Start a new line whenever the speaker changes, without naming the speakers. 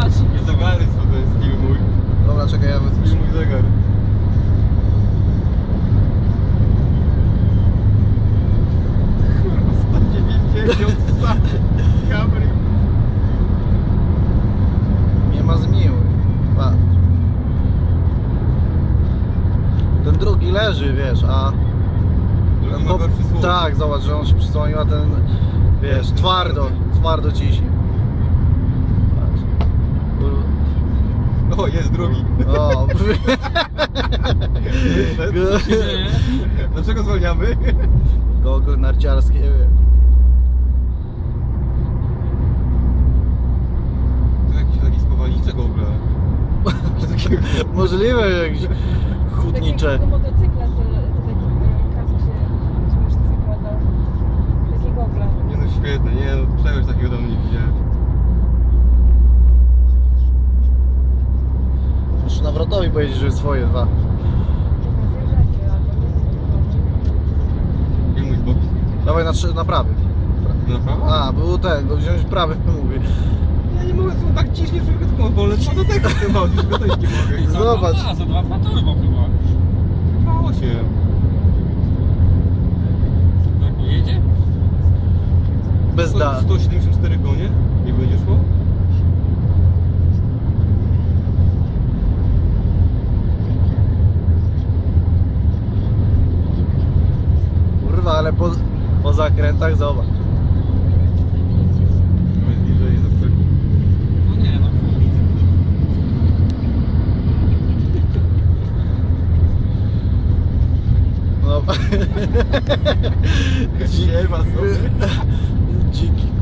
patrz.
Nie zegary, co to jest film mój.
Dobra, czekaj, ja
Film mój zegar. Kurwa, 190 kamery.
nie ma zmiłuj. Patrz. Ten drugi leży, wiesz, a...
Drugi ma gorszy słuch.
Tak, zobacz, że on się przysłonił, a ten, wiesz, twardo ciśnie. Patrz.
O, jest drugi.
O,
Co się dzieje?
Dlaczego zwalniamy?
gogle narciarskie, wiesz.
To jakiś taki spowalniczek w ogóle.
Możliwe, jakieś hutnicze.
Takiego motocykla, co taki kask się śmiesznie zakłada. Takie gogle.
Nie no świetne, nie no, czegoś takiego dawno nie widziałem.
Muszę nawrotowi powiedzieć, że swoje dwa.
Zjeżdżacie, albo nie.
Film mój z boku.
Dawaj na prawy.
Na prawo?
A, był ten, go wziąć prawy, mówię.
Ja nie mogę, są tak ciśnie, że tylko wolę co do tego chyba, już go też nie mogę.
Zobacz.
A, za 2 turbo chyba.
2,8.
Tak nie jedzie?
Bez da.
174 konie? Nie będzie szło?
Kurwa, ale po zakrętach zobacz.
Jest bliżej, zawsze.
No nie no.
No.
Nie ma sobie.
Dziki